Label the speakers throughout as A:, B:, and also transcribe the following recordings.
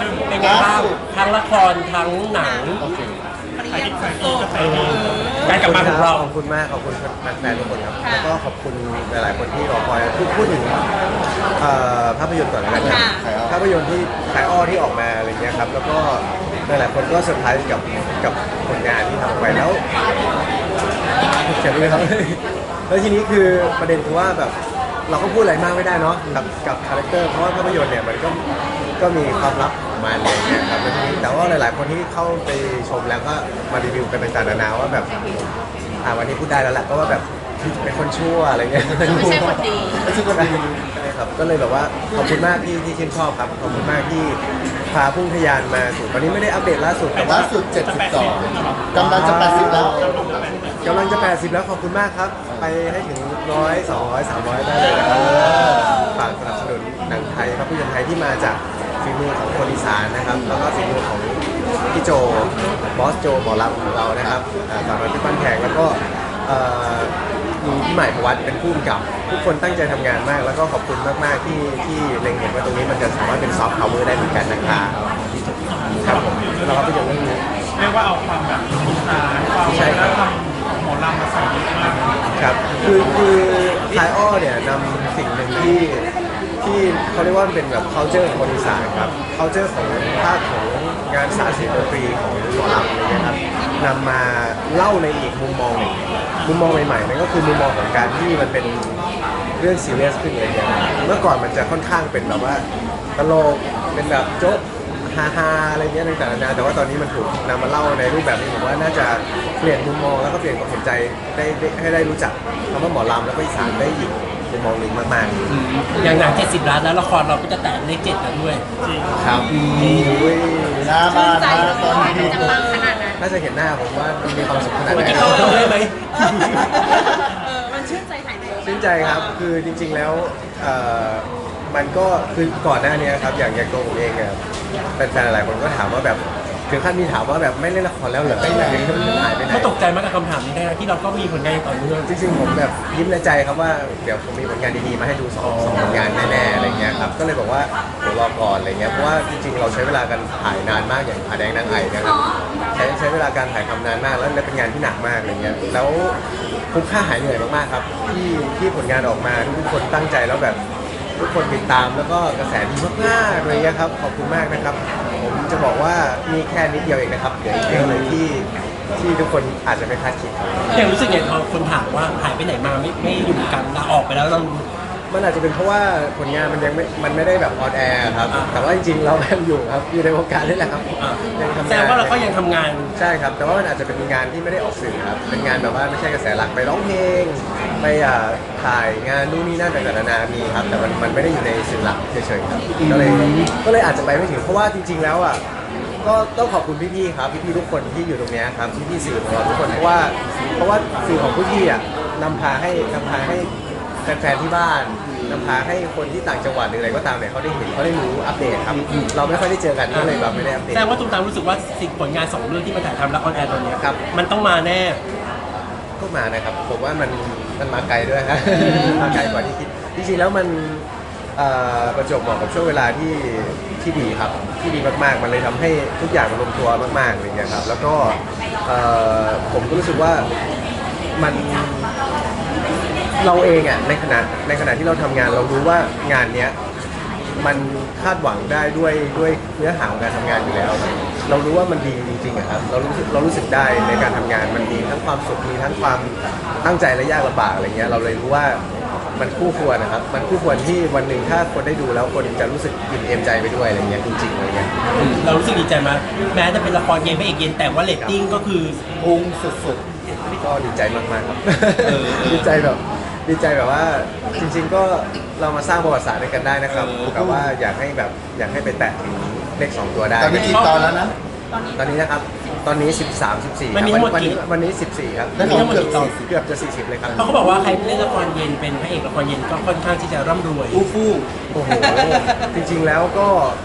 A: เป็นไงบ้างทั้งละครทั้งหนัง
B: โอเค
C: ปริยัติสุด
A: การกลับมาของเรา
D: ขอบคุณมากขอบคุณแฟนๆทุกคนครับแล้วก็ขอบคุณหลายๆคนที่รอคอยพูดถึงภาพยนตร์ก่อนแล้วกันครับภาพยนตร์ที่ขายอ้อที่ออกมาอะไรเงี้ยครับแล้วก็หลายๆคนก็เซอร์ไพรส์กับผลงานที่ทำออกไปแล้วเขียนเลยครับ แล้วทีนี้คือประเด็นคือว่าแบบเราก็พูดอะไรมากไม่ได้เนาะกับคาแรคเตอร์เพราะว่าภาพยนตร์เนี่ยมันก็มีความลับของมันอะไรเงี้ยครับแล้วทีนี้แต่ว่าหลายๆคนที่เข้าไปชมแล้วก็มารีวิวกันต่างๆนานาว่าแบบวันนี้พูดได้แล้วแหละก็ว่าแบบเป็นคนชั่วอะไรเงี้ย
C: ไม่ใช่คนดี
D: ไม่ใช่คนดีใช่ครับก็เลยแบบว่าขอบคุณมากที่ชื่นชอบครับขอบคุณมากที่พาพุ่งทะยานมาสู่วันนี้ไม่ได้อัปเดตล่าสุดแต่ว่า
B: ล่าสุด 72กำลังจะ 80 แล้ว
D: กำลังจะ 80 แล้วขอบคุณมากครับ ไปให้ถึง100 200 300 ได้เลยนะครับฝากสนับสนุนหนังไทยภาพยนตร์ไทยที่มาจากฝีมือของคนอีสานนะครับแล้วก็ฝีมือของพี่โจบอสโจหมอลำของเรานะครับสาวน้อยเพชรบ้านแพงแล้วก็มีพี่ใหม่พวัตเป็นผู้กำกับทุกคนตั้งใจทำงานมาก แล้วก็ขอบคุณมากๆที่เล็งเห็นว่าตรงนี้มันจะสามารถเป็นซอฟต์พาวเวอร์ได้เหมือนกันนะครับครับผมเราก็ไปยังเรื่องนี้
E: เรียกว่าเอาความแบบอีสานความวัฒนธรรมของหมอลำมาใส่เยอะมาก
D: ครับคือคายอ้อเนี่ยนำสิ่งหนึ่งที่เขาเรียกว่าเป็นแบบ culture ของคนอีสานครับ culture ของภาคของงานสาธิตดนตรีของหมอลำอะไรเงี้ยครับนำมาเล่าในอีกมุมมองหนึ่งมุมมองใหม่ๆนั่นก็คือมุมมองของการที่มันเป็นเรื่องซีเรียสขึ้นอะไรเงี้ยเมื่อก่อนมันจะค่อนข้างเป็นแบบว่าตลกเป็นแบบโจ๊กฮาๆอะไรเงี้ยต่างๆนานาแต่ว่าตอนนี้มันถูกนำมาเล่าในรูปแบบนี้ผมว่าน่าจะเปลี่ยนมุมมองแล้วก็เปลี่ยนความสนใจได้ให้ได้รู้จักคำว่าหมอลำแล้วก็อีสานได้อีกมุมมองหนึ่งมากๆ
A: อย่างหนัง70 ล้านแล้วละครเราก็จะแตะเลข7แล้วด้วย
D: ครับ
B: หน้าบ้าน
C: ใจ
B: นะ
C: เลย
B: ตอน
C: ว่า
B: นี้
C: จะปังขนาดนั้น
D: ถ้าจะเห็นหน้าผมว่ามันมีความสุขขนาดไหน
A: เข้าเราได้ไหม
C: มันชื่นใจหายเหนื่อย
D: ชื่นใจครับ คือจริงๆแล้วมันก็คือก่อนหน้านี้ครับอย่างตัวผมเองอะแฟนๆหลายคนก็ถามว่าแบบถึงขั้นมีถามว่าแบบไม่เล่นละครแล้วเหรอไปไหนมันหายไปไหน
A: เขาตกใจมากกับคำถามนี้ได้ที่เราก็มีผลงานต่อเนื่อง
D: จริงๆผมแบบยิ้มในใจครับว่าเดี๋ยวผมมีผลงานดีๆมาให้ดูสองผลงานแน่ๆอะไรเงี้ยครับก็เลยบอกว่าเดี๋ยวรอก่อนอะไรเงี้ยเพราะว่าจริงๆเราใช้เวลากันถ่ายนานมากอย่างผาแดงนางไอ่นะครับใช้เวลาการถ่ายทำนานมากแล้วเป็นงานที่หนักมากอะไรเงี้ยแล้วคุ้มค่าหายเหนื่อยมากๆครับที่ผลงานออกมาทุกคนตั้งใจแล้วแบบทุกคนติดตามแล้วก็กระแสดีมากๆเลยครับขอบคุณมากนะครับผมจะบอกว่ามีแค่นิดเดียวเองนะครับเดี๋ยวอีกเยอะเลยที่ทุกคนอาจจะไม่คาดคิดครับ
A: อย่างรู้สึกไงพอคนถามว่าหายไปไหนมาไม่อยู่กันลาออกไปแล้วเรา
D: มันอาจจะเป็นเพราะว่าผลงานมันยังไม่ได้แบบออนแอร์ครับแต่ว่าจริงๆเรายังอยู่ครับอยู่ในวงการนี่แหละครับยังทำ
A: แสด
D: งาน
A: งว่าเราก็ยังทำงาน
D: ใช่ครับแต่ว่ามันอาจจะเป็นงานที่ไม่ได้ออกสื่อครับเป็นงานแบบว่าไม่ใช่กระแสหลักไปร้องเพลงไปถ่ายงานนู่นนี่นั่นต่างๆนานามีครับแต่มันไม่ได้อยู่ในสื่อหลักเฉยๆครับก็เลยอาจจะไปไม่ถึงเพราะว่าจริง ๆแล้วอ่ะก็ต้องขอบคุณพี่ๆครับพี่ๆทุกคนที่อยู่ตรงเนี้ยครับพี่ๆสื่อของเราทุกคนเพราะว่าสื่อของพี่ๆอ่ะนำพาให้แฟนๆที่บ้านนำพาให้คนที่ต่างจังหวัดหรืออะไรก็ตามเนี่ยเขาได้เห็นเขาได้รู้อัปเดตครับเราไม่ค่อยได้เจอกันก็เลยแบบไม่ได้อัปเด
A: แส
D: ต
A: ดงว่าตุ้มตามรู้สึกว่าสิ่งผลงาน2 เรื่องที่มาถ่ายทำและออนแอร์ตอนเนี้ย
D: ครับ
A: มันต้องมาแน่
D: ก็มานะครับผมว่ามันมาไกลด้วยครับ มาไกลกว่าที่คิดจริงๆแล้วมันประจวบเหมาะกับช่วงเวลาที่ดีครับที่ดีมากๆมันเลยทำให้ทุกอย่างมันลงตัวมากๆอะไรเงี้ยครับแล้วก็ผมก็รู้สึกว่ามันเราเองอ่ะในขณะที่เราทำงานเรารู้ว่างานเนี้ยมันคาดหวังได้ด้วยเนื้อหาของการทำงานอยู่แล้ว เรารู้ว่ามันดีจริงๆอะครับเรารู้สึกได้ในการทำงานมันมีทั้งความสุขมีทั้งความตั้งใจและยากลำบากอะไรเงี้ยเราเลยรู้ว่ามันคู่ควรนะครับมันคู่ควรที่วันหนึ่งถ้าคนได้ดูแล้วคนจะรู้สึกอิ่มเอมใจไปด้วยอะไรเงี้ยจริงๆอะไรเงี้ย
A: เรารู้สึกดีใจมากแม้จะเป็นละครเย็นพระเอกเย็นแต่ว่าเรตติ้งก็คือ
B: พุ่งสุด
D: ก็ดีใจมากๆครับ ดีใจแบบว่าจริงๆก็เรามาสร้างประวัติศาสตร์ด้วยกันได้นะครับแต่ว่าอยากให้ไปแตะถึงเลข2 ตัวได้
B: ๆตอนนี้กี่ตอนแล้วนะ
D: ตอนนี้นะครับตอนนี้13 14
A: มันมีทั้งหมดกี่
D: วันนี้14ครับ
B: แล้วมีทั้งหมดกี่ตอน
D: เกือบจะ40เลยครับ
A: เพราะเขาบอกว่าใครเล่นละครเย็นเป็นพระเอกละครเย็นก็ค่อนข้างที่จะร่ำรวย
B: อู้ฟู่
D: โอ้โหจริงๆแล้วก็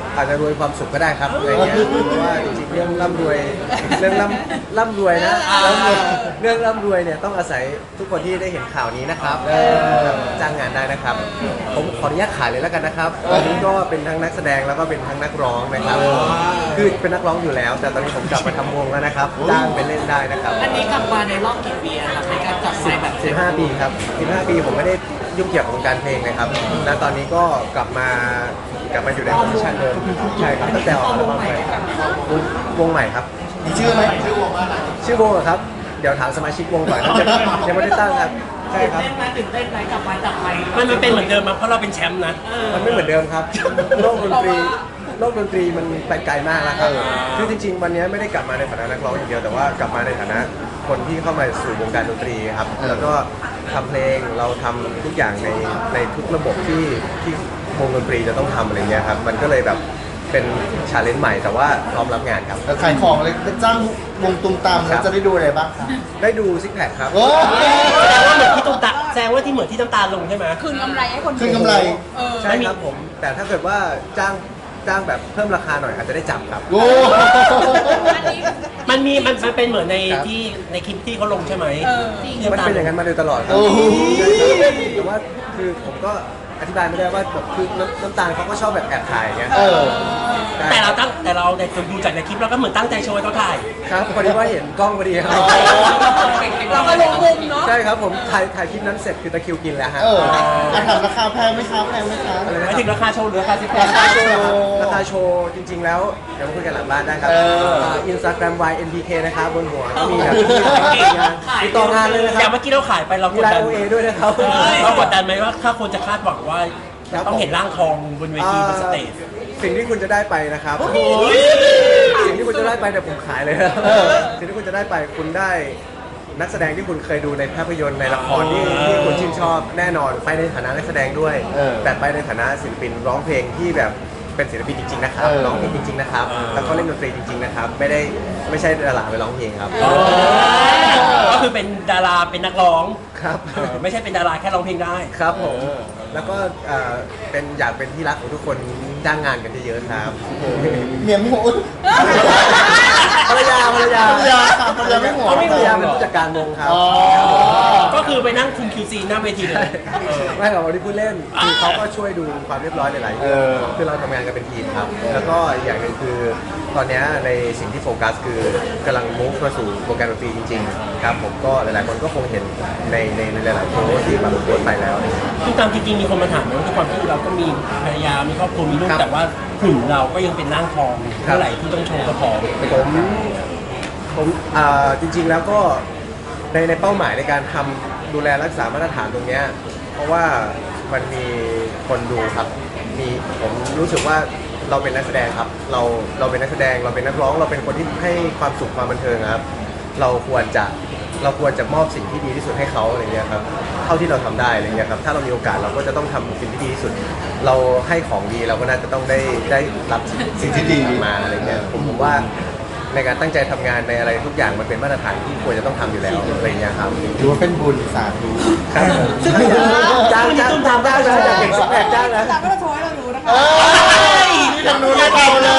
D: อาจจะรวยความสุขก็ได้ครับอะไรเงี้ยเพราะว่าจริงๆเรื่องร่ำรวยร่ำรวยนะเรื่องร่ำรวยเนี่ยต้องอาศัยทุกคนที่ได้เห็นข่าวนี้นะครับจ้างงานได้นะครับผมขออนุญาตขายเลยแล้วกันนะครับตอนนี้ก็เป็นทั้งนักแสดงแล้วก็เป็นทั้งนักร้องนะครับคือเป็นนักร้องอยู่แล้ว แต่ตอนนี้ผมกลับมาทำวงแล้วนะครับจ้างไปเล่นได้นะครับ
F: อันนี้กลับมาในรอบกี่ปีอะครับในการจับไมค์แบบ
D: 15 ปีครับ15 ปีผมไม่ได้ยุ่งเกี่ยวกับวงการเพลงเลยครับและตอนนี้ก็กลับมาอยู่ในโพสิชันเดิมใช่ครับตั้งแต่ออกอัลบั้มใหม่วงใหม่ครับ
B: มีชื่อไหมชื่อวงว่าอะไร
D: ชื่อวงเหรอครับเดี๋ยวถามสมาชิกวงก่อนครับยังไม่ได้ตั้งครับใช่ครับ
F: ตื่นเต้นไหมกลับมาจับไมค์
A: มันเป็นเหมือนเดิมมั้ยเพราะเราเป็นแชมป์นะ
D: มันไม่เหมือนเดิมครับโลกดนตรีมันไปไกลมากแล้วครับคือจริงๆวันนี้ไม่ได้กลับมาในฐานะนักร้องอย่างเดียวแต่ว่ากลับมาในฐานะคนที่เข้ามาสู่วงการดนตรีครับแล้วก็ทำเพลงเราทำทุกอย่างในทุกระบบที่วงดนตรีจะต้องทำอะไรเงี้ยครับมันก็เลยแบบเป็นชาเลนจ์ใหม่แต่ว่าพร้อมรับงานครับ
B: แล้วขายของเลยจ้างวงตุ้มตามแล้วจะได้ดูอะไรบ้างคะ
D: ได้ดูซิกแพคครับ
B: โอ้
A: แสดงว่าเหมือนที่ตุ้มตาแสดงว่าที่เหมือนที่น้ำตาลงใช่ไหม
C: คืนกำไรให้คนดู
B: คืนกำไร
D: ใช่ครับผมแต่ถ้าเกิดว่าจ้างแบบเพิ่มราคาหน่อยอาจจะได้จับครับ
B: โอ้
C: อันนี้
A: มันเป็นเหมือนใน
D: ครับ
A: ที่ในคลิปที่เขาลงใช่ไหม ที่
D: มัน
A: ำตล
D: เป็นอย่างนั้นมาโดยตลอดครับ
B: โอ้โห
D: แต่ว่าคือผมก็อธิบายไม่ได้ว่าแบบคือน้ำตาลเขาก็ชอบแบบแอบถ่ายอย่างเงี้ย
B: เออ
A: แต่เราในดูจากในคลิปเราก็เหมือนตั้งใจโชว์ให้เขาถ่าย
D: ครับพอดีว่าเห็นกล้องพอดีครับ
C: เราก็ลงมุมเนาะ
D: ใช่ครับผมถ่ายคลิปนั้นเสร็จคือตะคริวกินแล้วฮะ
B: เอออาถามราคาแพงไหมคะแพงไหมคะ
D: อะไรนะ
A: ไม่ถึงราคาโชว์หรือราคาซิปแพ
B: ราคาโชว์
D: ราคาโชว์จริง ๆ แล้วเดี๋ยวมาคุยกันหลังบ้านได้ครับ
B: เออ
D: อินสตาแกรม YNPK นะครับบนหัวก็มีแบบงานติดต่องานเลยนะค
A: อ
D: รั
A: ย่า
D: บ
A: งเมื่อกี้เราขายไปเราก
D: มี
A: ด
D: ไล
A: ดั
D: น์
A: น
D: OA ด้วยนะครับ
A: เรากดดันไหมว่าถ้าคนจะคาดหวังว่า
D: ครับ
A: ต้องเห็นร่างทองบนเวทีบนสเตจ
D: สิ่งที่คุณจะได้ไปนะครับสิ่งที่คุณจะได้ไปเนี่ยผมขายเลยนะสิ่งที่คุณจะได้ไปคุณได้นักแสดงที่คุณเคยดูในภาพยนตร์ในละครที่คุณชื่นชอบแน่นอนไปในฐานะนักแสดงด้วย แต่ไปในฐานะศิลปินร้องเพลงที่แบบเป็นศิลปินจริงๆนะครับร้องเพลงจริงๆนะครับแล้วก็เล่นดนตรีจริงๆนะครับไม่ใช่ดาราไปร้องเพลงครับ
A: ก็คือเป็นดาราเป็นนักร้อง
D: ครับ
A: ไม่ใช่เป็นดาราแค่ร้องเพลงได้
D: ครับผมแล้วก็อยากเป็นที่รักของทุกคนจ้างงานกันเยอะๆครับ
B: เมียไม่หัว
D: ภรรยา
B: ภรรยาค่ะภรรยาไม่หัว
D: เขาไม่ภรรยาเป็นผู้จัดการวงครับ
B: อ๋อ
A: ก็คือไปนั่งคุม QC หน้าเวทีเลย
D: ไม่หรอกวันนี้พูดเล่นคือเขาก็ช่วยดูความเรียบร้อยหลายๆเรื่องคือเราทำงานกันเป็นทีมครับ แล้วก็อีกอย่างหนึ่งคือตอนนี้ในสิ่งที่โฟกัสคือกำลังมุ่งมาสู่วงการดนตรีจริงๆครับผมก็หลายๆคนก็คงเห็นในหลายๆโพสต์ที่แบบโพสต์ไปแล้ว
A: ซึ่งตามจริงๆมีคนมาถามว่าด้วยความที่เราก็มีภรรยา มีครอบครัว มีลูก
D: ครับ
A: แต่ว่าหุ่นเราก็ยังเป็นร่างทองเท่าไหร่ที่ต้องโชว์กระพอง
D: ผมจริงๆแล้วก็ในเป้าหมายในการทำดูแลรักษามาตรฐานตรงเนี้ยเพราะว่ามันมีคนดูครับผมรู้สึกว่าเราเป็นนักแสดงครับเราเป็นนักแสดงเราเป็นนักร้องเราเป็นคนที่ให้ความสุขความบันเทิงครับเราควรจะมอบสิ่งที่ดีที่สุดให้เขาอะไรเงี้ยครับเท่าที่เราทำได้อะไรเงี้ยครับถ้าเรามีโอกาสเราก็จะต้องทำสิ่งที่ดีที่สุด เราให้ของดีเราก็น่าจะต้องได้รับสิ่งที่ดีมาอะไรเงี้ยผมว่าในการตั้งใจทำงานในอะไรทุกอย่างมันเป็นมาตรฐานที่ควรจะต้องทำอยู่แล้วอะไรเงี้ยครับ
B: ถือว่าเป็นบุญสาธุ
D: ครับจ้างอยากเห็นซิกแพคจ้างนะ
C: เราก็จะโชว์ให้เราดูนะคะ
B: นี่ทางนู้นได้เปล่าเลย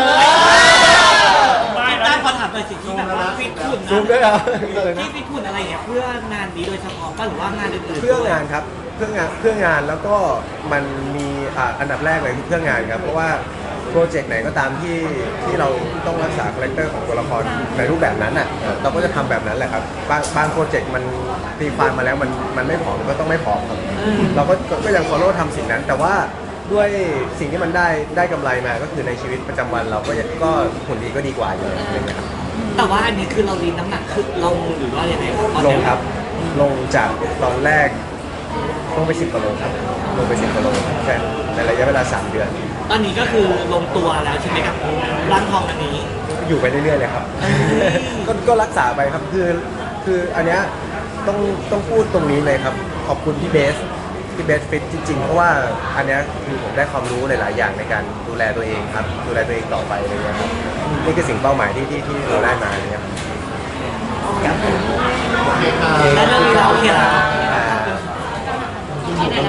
F: ได้พอถามเลยสิ่งที่แบบว่าฟิตหุ่น
D: ซูมด้วยเหรอ
F: ที่ฟิตหุ่นอะไรเนี่ยเพื่องานนี้โดยเฉพาะป่ะหรือว่างานอื่นๆ
D: เพื่องานครับเพื่องานแล้วก็มันมีอันดับแรกเลยคือเพื่องานครับเพราะว่าโปรเจกต์ไหนก็ตามที่เราต้องรักษาคาแรคเตอร์ของตัวละครในรูปแบบนั้นอ่ะเราก็จะทำแบบนั้นแหละครับบางโปรเจกต์มันตีความมาแล้วมันไม่ผอมก็ต้องไม่ผอมครับเราก็ยัง follow ทำสิ่งนั้น แต่ว่าด้วยสิ่งที่มันได้กำไรมาก็คือในชีวิตประจำวันเราก็หุ่นดีก็ดีกว่าอยู่อะไรเงี้ยครับ
F: แต่ว่าอันนี้คือเราลีนน้ำหนักขึ้นลงหรือว่ายังไงครับ
D: ลงครับลงจากตอนแรกลงไป10 กว่าโลครับลงไป10 กว่าโลแค่ในระยะเวลา3 เดือน
F: ตอนนี้ก็คือลงตัวแล้วใช่ไหมครับร่างทองอันนี้
D: อยู่ไปเรื่อยๆเลยครับ ก็รักษาไปครับคืออันเนี้ยต้องพูดตรงนี้เลยครับขอบคุณพี่เบสฟิตจริงๆเพราะว่าอันเนี้ยคือผมได้ความรู้หลายๆอย่างในการดูแลตัวเองครับดูแลตัวเองต่อไปอะไรเงี้ยครับนี่คือสิ่งเป้าหมายที่เราได้มาอะไรเงี้ยครับ
F: แล้วเรื่องนี้เราโอเคแล้ว
D: อ่า